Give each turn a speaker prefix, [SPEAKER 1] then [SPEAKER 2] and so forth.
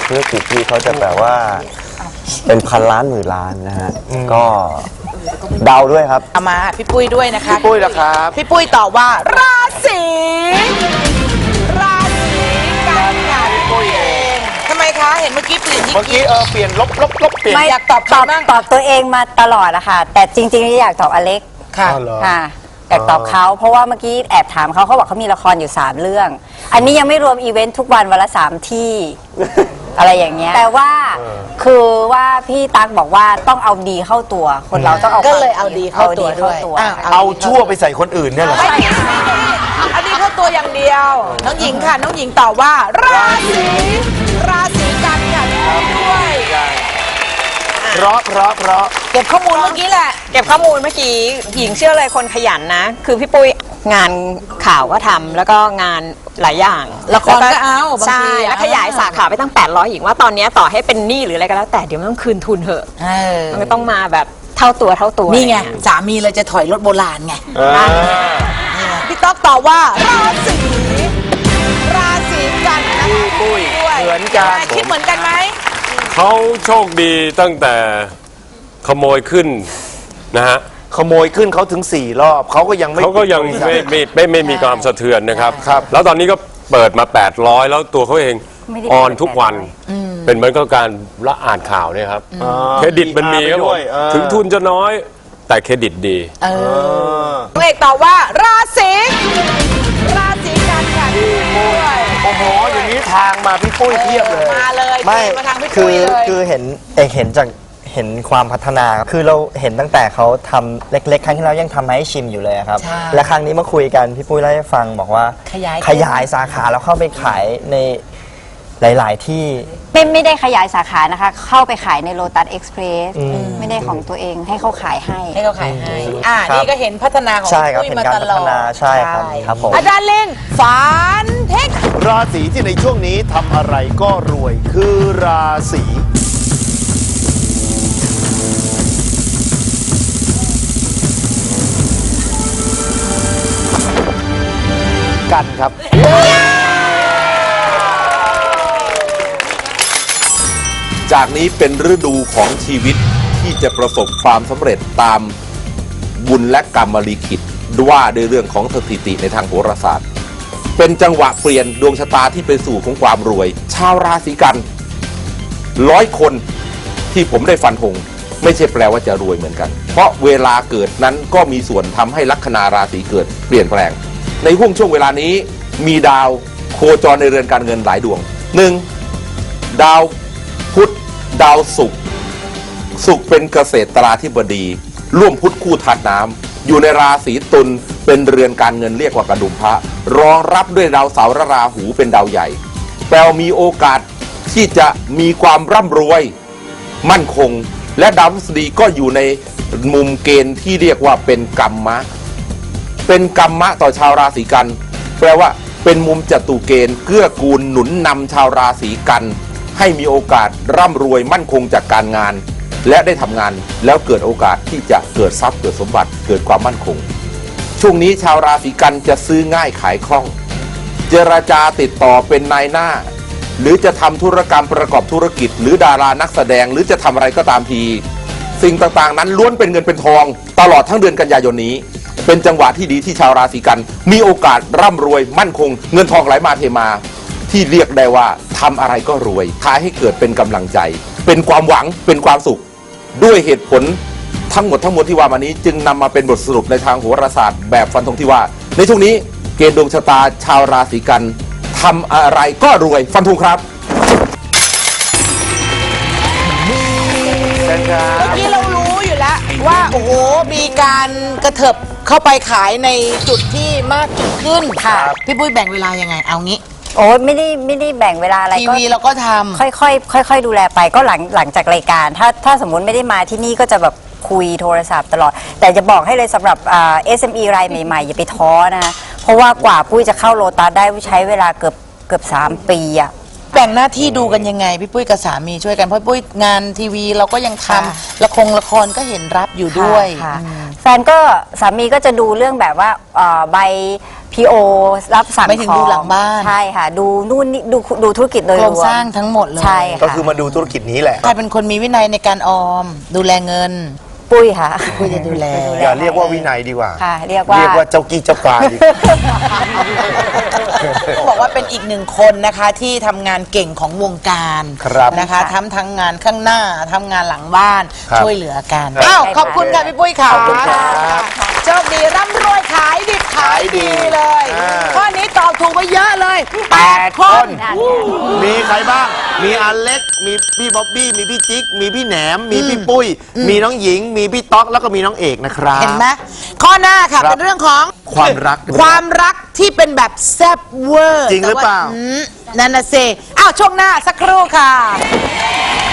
[SPEAKER 1] ธุรกิจที่เขาจะแบบว่าเป็นพันล้านหมื่นล้านนะฮะก็เดาด้วยครับ
[SPEAKER 2] เอามาพี่ปุ้ยด้วยนะคะ
[SPEAKER 3] พี่ปุ้ยนะครับ
[SPEAKER 2] พี่ปุ้ยตอบว่าราศีกันค่ะพี่ปุ้ยเองทำไมคะเห็นเมื่อกี้เปลี่ยน
[SPEAKER 3] เมื่อกี้เปลี่ยนลบเปลี่ยน
[SPEAKER 2] อยากตอบ
[SPEAKER 4] ตัวเองมาตลอดอะค่ะแต่จริงๆอยากตอบอเล็ก
[SPEAKER 2] ค่ะ
[SPEAKER 4] อยากตอบเขาเพราะว่าเมื่อกี้แอบถามเขาบอกเขามีละครอยู่3เรื่องอันนี้ยังไม่รวมอีเวนต์ทุกวันวันละ3ที่ อะไรอย่างเงี้ยแต่ว่าคือว่าพี่ตั๊กบอกว่าต้องเอาดีเข้าตัวคนเราต้องเอา
[SPEAKER 2] ก็เลยเอาดีเข้าตัวด้วย
[SPEAKER 3] เอาชั่วไปใส่คนอื่นเนี่ยเหรอ
[SPEAKER 2] เอาดีเข้าตัวอย่างเดียวน้องหญิงค่ะน้องหญิงตอบว่าราศีกันค่ะด้วย
[SPEAKER 3] เพราะ
[SPEAKER 2] เก็บข้อมูลเมื่อกี้แหละ
[SPEAKER 5] เก็บข้อมูลเมื่อกี้หญิงเชื่อเลยคนขยันนะคือพี่ปุ้ยงานข่าวก็ทำแล้วก็งานหลายอย่าง
[SPEAKER 2] ละครก็เอา
[SPEAKER 5] ใช่แล้วขยายสาขาไปตั้ง800หญิงว่าตอนนี้ต่อให้เป็นหนี้หรืออะไรก็แล้วแต่เดี๋ยวมันต้องคืนทุนเถอะมันก็ต้องมาแบบเท่าตัว
[SPEAKER 2] นี่ไงสามีเลยจะถอยรถโบราณไงพี่ต๊อกตอบว่าราศีกันนะคะ
[SPEAKER 3] พี่ปุ้ยเหมือนกัน
[SPEAKER 2] คิดเหมือนกันไหม
[SPEAKER 6] เขาโชคดีตั้งแต่ขโมยขึ้นนะฮะ
[SPEAKER 3] ขโมยขึ้นเขาถึง4 รอบเขาก็ยัง
[SPEAKER 6] ไม่มีความสะเทือนนะครับแล้วตอนนี้ก็เปิดมา800แล้วตัวเขาเองออนทุกวันเป็นเหมือนกับการละอ่านข่าวเนี่ยครับเครดิตมันมีครับถึงทุนจะน้อยแต่เครดิตดี
[SPEAKER 2] เอกตอบว่าราศีกันค่ะด้วย
[SPEAKER 3] โอ้โหอย่างนี้ทางมาพี่ปุ้ยเทียบเลย
[SPEAKER 2] มาเลย
[SPEAKER 1] ไม่
[SPEAKER 2] มาทางพี่ปุ้ยเลย
[SPEAKER 1] คือเห็นจากเห็นความพัฒนาคือเราเห็นตั้งแต่เขาทำเล็กๆครั้งที่แล้วยังทำให้ชิมอยู่เลยครับและครั้งนี้มาคุยกันพี่ปุ้ยเล่าให้ฟังบอกว่าขยายสาขาแล้วเข้าไปขายในหลายๆที่
[SPEAKER 4] ไม่ได้ขยายสาขานะคะเข้าไปขายในโลตัสเอ็กซ์เพรสไม่ได้ของตัวเองให้เขาขายให้
[SPEAKER 2] นี่ก็เห็นพัฒนาของ
[SPEAKER 1] พี่ปุ้ยมาตลอดใช่ครับผม
[SPEAKER 2] อาจารย์ลินฝันเทค
[SPEAKER 3] ราศีที่ในช่วงนี้ทำอะไรก็รวยคือราศีกันครับ
[SPEAKER 7] จากนี้เป็นฤดูของชีวิตที่จะประสบความสำเร็จตามบุญและกรรมลิขิตว่าด้วยเรื่องของสถิติในทางโหราศาสตร์เป็นจังหวะเปลี่ยนดวงชะตาที่ไปสู่ของความรวยชาวราศีกัน100 คนที่ผมได้ฟันธงไม่ใช่แปลว่าจะรวยเหมือนกันเพราะเวลาเกิดนั้นก็มีส่วนทำให้ลัคนาราศีเกิดเปลี่ยนแปลงในช่วงเวลานี้มีดาวโคจรในเรือนการเงินหลายดวง1ดาวพุธดาวศุกร์เป็นเกษตราธิบดีร่วมพุธคู่ธาตุน้ำอยู่ในราศีตุลเป็นเรือนการเงินเรียกว่ากระดุมพระรองรับด้วยดาวเสาร์และราหูเป็นดาวใหญ่แปลว่ามีโอกาสที่จะมีความร่ำรวยมั่นคงและดาวพฤหัสบดีก็อยู่ในมุมเกณฑ์ที่เรียกว่าเป็นกัมมะต่อชาวราศีกันแปลว่าเป็นมุมจตุเกณฑ์เกื้อกูลหนุนนำชาวราศีกันให้มีโอกาสร่ำรวยมั่นคงจากการงานและได้ทำงานแล้วเกิดโอกาสที่จะเกิดทรัพย์เกิดสมบัติเกิดความมั่นคงช่วงนี้ชาวราศีกันจะซื้อง่ายขายคล่องเจรจาติดต่อเป็นนายหน้าหรือจะทำธุรกรรมประกอบธุรกิจหรือดารานักแสดงหรือจะทำอะไรก็ตามทีสิ่งต่างๆนั้นล้วนเป็นเงินเป็นทองตลอดทั้งเดือนกันยายนนี้เป็นจังหวะที่ดีที่ชาวราศีกันมีโอกาสร่ำรวยมั่นคงเงินทองไหลมาเทมาที่เรียกได้ว่าทำอะไรก็รวยท้ายให้เกิดเป็นกำลังใจเป็นความหวังเป็นความสุขด้วยเหตุผลทั้งหมดที่ว่ามานี้จึงนำมาเป็นบทสรุปในทางโหราศาสตร์แบบฟันธงที่ว่าในช่วงนี้เกณฑ์ดวงชะตาชาวราศีกันทำอะไรก็รวยฟันธงครับ
[SPEAKER 2] เมื่อกี้เรารู้อยู่แล้วว่าโอ้โหมีการกระเถิบเข้าไปขายในจุดที่มากจุดขึ้นค่ะพี่ปุ้ยแบ่งเวลายังไงเอางี้
[SPEAKER 4] โอ้ไม่ได้แบ่งเวลาอะไร
[SPEAKER 2] ทีวีเราก็ทำ
[SPEAKER 4] ค่อยดูแลไปก็หลังจากรายการถ้าสมมุติไม่ได้มาที่นี่ก็จะแบบคุยโทรศัพท์ตลอดแต่จะบอกให้เลยสำหรับ SME รายใหม่ๆอย่าไปท้อนะเพราะว่ากว่าปุ้ยจะเข้าโลตัสได้ใช้เวลาเกือบ3 ปีอะ
[SPEAKER 2] แบ่งหน้าที่ดูกันยังไงพี่ปุ้ยกับสามีช่วยกันเพราะปุ้ยงานทีวีเราก็ยังทำละครก็เห็นรับอยู่ด้วย
[SPEAKER 4] ค่ะแฟนก็สามีก็จะดูเรื่องแบบว่าใบ PO รับสั่ง
[SPEAKER 2] ไม่ถึงดูหลังบ้าน
[SPEAKER 4] ใช่ค่ะดูนู่นนี่ดูธุรกิจโดย
[SPEAKER 2] โค
[SPEAKER 4] ร
[SPEAKER 2] รง
[SPEAKER 4] วม
[SPEAKER 2] สร้างทั้งหมดเลย
[SPEAKER 4] ใช่ค่ะ
[SPEAKER 3] ก็คือมาดูธุรกิจนี้แหละ
[SPEAKER 2] ใครเป็นคนมีวินัยในการออมดูแลเงิน
[SPEAKER 4] ปุ้ยค่ะ
[SPEAKER 2] ปุ้ยจะดูแล
[SPEAKER 3] อย่าเรียกว่าวินัยดีกว่า
[SPEAKER 4] ค่ะเรียกว่า
[SPEAKER 3] เจ้ากี้เจ้าการดีกว่า
[SPEAKER 2] บอกว่าเป็นอีกหนึ่งคนนะคะที่ทำงานเก่งของวงการ
[SPEAKER 3] ครับ
[SPEAKER 2] นะคะทั้งงานข้างหน้าทำงานหลังบ้าน
[SPEAKER 3] ครับ
[SPEAKER 2] ช่วยเหลือกันอ้าวขอบคุณค่ะพี่ปุ้ยค่ะ
[SPEAKER 3] ขอบคุณครับ
[SPEAKER 2] โชคดีร่ำรวยขายดิบขายดีเลย
[SPEAKER 3] อ่า
[SPEAKER 2] ข้อนี้ตอบถูกไปเยอะเลย8 คน
[SPEAKER 3] มีใครบ้าง มีอเล็ก มีพี่บ๊อบบี้ มีพี่จิ๊ก มีพี่แหนม มีพี่ปุ้ย มีน้องหญิง มีพี่ต๊อก แล้วก็มีน้องเอกนะครับ
[SPEAKER 2] เห็นไหมข้อหน้าค่ะ
[SPEAKER 3] ครับ
[SPEAKER 2] เป็นเรื่องของ
[SPEAKER 3] ความรัก
[SPEAKER 2] ความรักที่เป็นแบบแซ่บเวอร์
[SPEAKER 3] จริงหรือเปล่า
[SPEAKER 2] แต่ว่นั่นน่ะสิอ้าวช่วงหน้าสักครู่ค่ะ